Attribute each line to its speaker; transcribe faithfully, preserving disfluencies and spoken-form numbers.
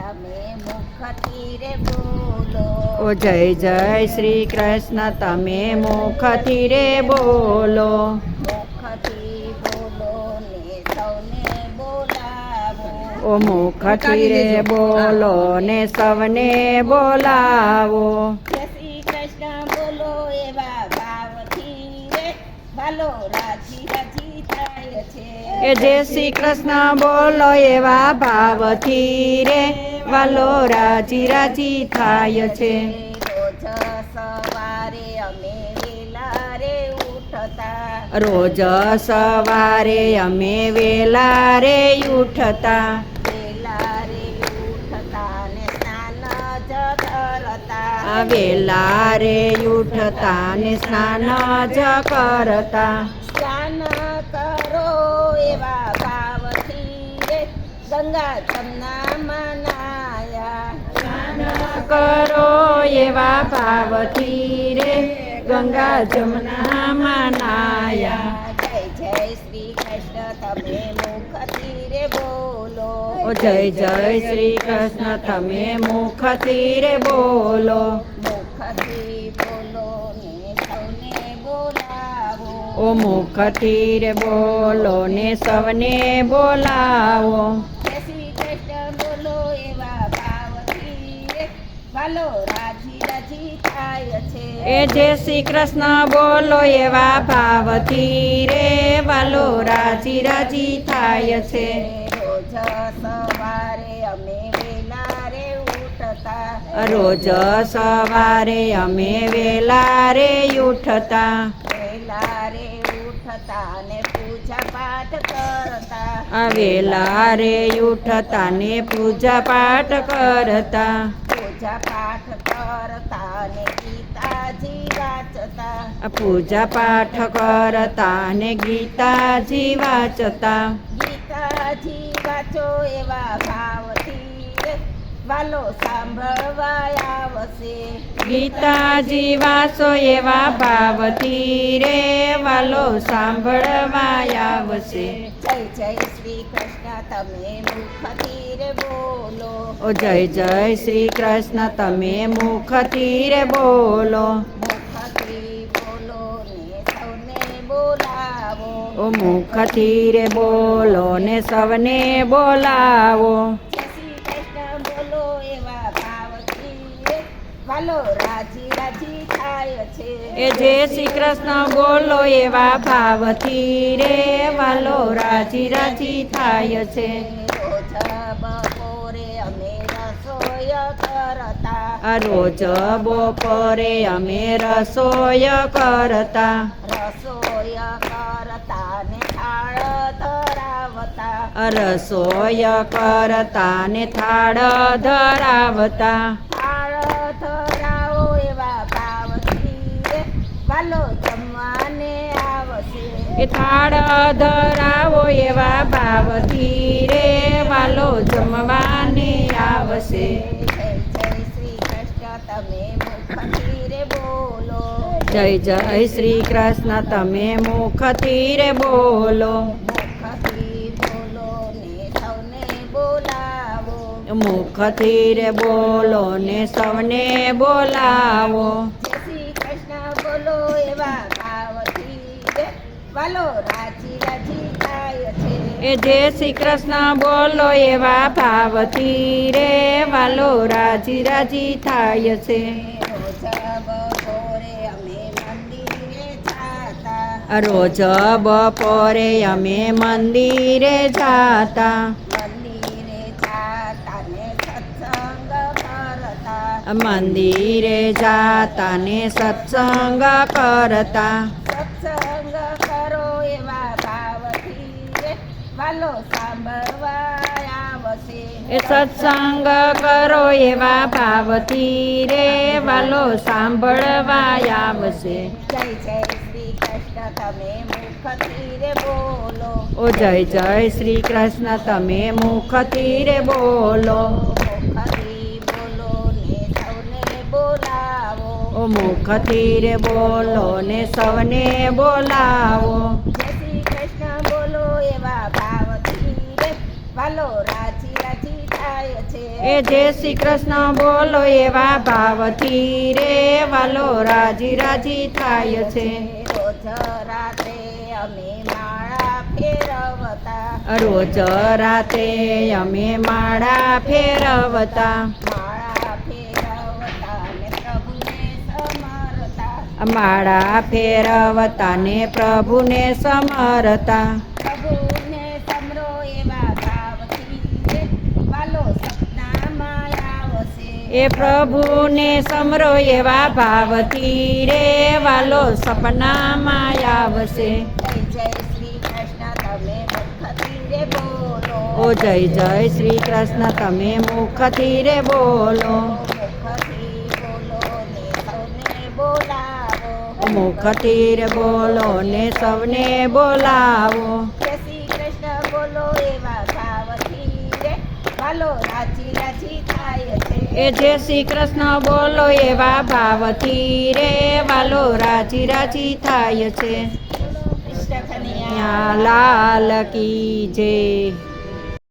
Speaker 1: તમે મુખથી રે બોલો.
Speaker 2: ઓ જય જય શ્રી કૃષ્ણ તમે મુખથી રે બોલો.
Speaker 1: મુખથી બોલો ને સૌને બોલાવો.
Speaker 2: ઓ મુખથી રે બોલો ને સૌને બોલાવો.
Speaker 1: જય શ્રી કૃષ્ણ બોલો એવા ભાવથી રે વાલો રાજી રાજી થાય છે.
Speaker 2: એ જય શ્રી કૃષ્ણ બોલો એવા ભાવથી રે વાલો રાજી રાજી થાય છે.
Speaker 1: રોજ સવારે અમે વેલા રે ઉઠતા.
Speaker 2: રોજ સવારે અમે વેલા રે ઉઠતા.
Speaker 1: વેલા રે ઉઠતા ને સ્નાન જ કરતા.
Speaker 2: આ વેલા રે ઉઠતા ને સ્નાન જ કરતા.
Speaker 1: સ્નાન કરો એવા ભાવથી રે ગંગા જમના મનાયા.
Speaker 2: સ્નાન કરો એવા ભાવથી રે ગંગા જમનામાં નાયા.
Speaker 1: જય જય શ્રી કૃષ્ણ તમે મુખથી રે બોલો.
Speaker 2: ઓ જય જય શ્રી કૃષ્ણ તમે મુખથી રે બોલો.
Speaker 1: મુખથી બોલો ને સૌને બોલાવો.
Speaker 2: ઓ મુખથી રે બોલો ને સૌને બોલાવો.
Speaker 1: જય શ્રી કૃષ્ણ બોલો એવા ભાવથી રે વાલો રાજી રાજી થાય છે.
Speaker 2: એ જય શ્રી કૃષ્ણ બોલો એવા ભાવથી રે વાલો રાજી રાજી થાય છે.
Speaker 1: રોજ સવારે અમે વેલા રે ઉઠતા.
Speaker 2: રોજ સવારે અમે વેલા રે ઉઠતા.
Speaker 1: વેલા રે ઉઠતા ને પૂજા પાઠ કરતા.
Speaker 2: આ વેલા રે ઉઠતા ને પૂજા પાઠ કરતા.
Speaker 1: પૂજા પાઠ કરતા ને ગીતાજી વાંચતા.
Speaker 2: આ પૂજા પાઠ કરતા ને ગીતાજી વાંચતા.
Speaker 1: ગીતાજી વાંચો એવા ભાવથી રે વાલો સાંભળવા આવશે.
Speaker 2: ગીતાજી વાંચો એવા ભાવથી રે વાલો સાંભળવા આવશે.
Speaker 1: જય જય શ્રી કૃષ્ણ તમે મુખથી રે બોલો.
Speaker 2: ઓ જય જય શ્રી કૃષ્ણ તમે મુખથી રે બોલો.
Speaker 1: મુખથી બોલો ને સૌને બોલાવો.
Speaker 2: ઓ મુખથી રે બોલો ને સૌને બોલાવો.
Speaker 1: જય શ્રી કૃષ્ણ બોલો એવા ભાવથી રે વાલો રાજી રાજી થાય છે.
Speaker 2: એ જય શ્રી કૃષ્ણ બોલો એવા ભાવથી રે વાલો રાજી રાજી થાય છે.
Speaker 1: રોજ બપોરે અમે રસોઈ કરતા.
Speaker 2: આ રોજ બપોરે અમે રસોઈ કરતા.
Speaker 1: રસોઈ કરતા ને થાળ ધરાવતા.
Speaker 2: આ રસોઈ કરતા ને થાળ ધરાવતા.
Speaker 1: થાળ ધરાવો એવા ભાવથી રે વાલો જમવાને આવશે.
Speaker 2: એ થાળ ધરાવો એવા ભાવથી રે વાલો જમવાને આવશે.
Speaker 1: જય જય શ્રી કૃષ્ણ તમે મુખથી રે બોલો.
Speaker 2: જય જય શ્રી કૃષ્ણ તમે મુખથી રે બોલો.
Speaker 1: મુખથી બોલો ને સૌને બોલાવો.
Speaker 2: મુખથી રે બોલો ને સૌને બોલાવો.
Speaker 1: જય શ્રી કૃષ્ણ બોલો એવા ભાવથી રે વાલો રાજી રાજી થાય છે.
Speaker 2: એ જય શ્રી કૃષ્ણ બોલો એવા ભાવથી રે વાલો રાજી રાજી થાય છે.
Speaker 1: રોજ બપોરે અમે મંદિરે જાતા.
Speaker 2: રોજ બપોરે અમે મંદિરે જાતા.
Speaker 1: મંદિરે જાતા ને સત્સંગ કરતા.
Speaker 2: મંદિરે જાતા ને સત્સંગ કરતા.
Speaker 1: સત્સંગ કરો એવા ભાવથી રે વાલો સાંભળવા આવશે.
Speaker 2: એ સત્સંગ કરો એવા ભાવથી રે વાલો સાંભળવા આવશે.
Speaker 1: જય જય શ્રી કૃષ્ણ તમે મુખથી રે બોલો.
Speaker 2: ઓ જય જય શ્રી કૃષ્ણ તમે મુખથી રે બોલો.
Speaker 1: મુખથી બોલો ને સૌને બોલાવો.
Speaker 2: ઓ મુખથી રે બોલો ને સૌને બોલાવો.
Speaker 1: જય શ્રી કૃષ્ણ બોલો એવા ભાવથી રે વાલો રાજી રાજી થાય છે.
Speaker 2: એ જય શ્રી કૃષ્ણ બોલો એવા ભાવથી રે વાલો રાજી રાજી થાય છે.
Speaker 1: રોજ રાતે અમે માળા ફેરવતા
Speaker 2: રોજ રાતે અમે માળા ફેરવતા
Speaker 1: માળા ફેરવતા ને પ્રભુને સમરતા
Speaker 2: માળા ફેરવતા ને પ્રભુને સમરતા
Speaker 1: પ્રભુને સમરો એવા ભાવથી રે વાલો સપનામાં આવશે.
Speaker 2: એ પ્રભુને સમરો એવા ભાવથી રે વાલો સપનામાં આવશે.
Speaker 1: જય જય શ્રી કૃષ્ણ તમે મુખથી રે બોલો.
Speaker 2: ઓ જય જય શ્રી કૃષ્ણ તમે મુખથી રે બોલો.
Speaker 1: મુખથી બોલો ને સૌને બોલાવો.
Speaker 2: મુખથી રે બોલો ને સૌને બોલાવો.
Speaker 1: જય શ્રી કૃષ્ણ બોલો એવા ભાવથી રે વાલો રાજી રાજી થાય છે.
Speaker 2: એ જય શ્રી કૃષ્ણ બોલો એવા ભાવથી રે વાલો રાજી રાજી થાય છે.
Speaker 1: કૃષ્ણ કનૈયા
Speaker 2: યા લાલ કી જય.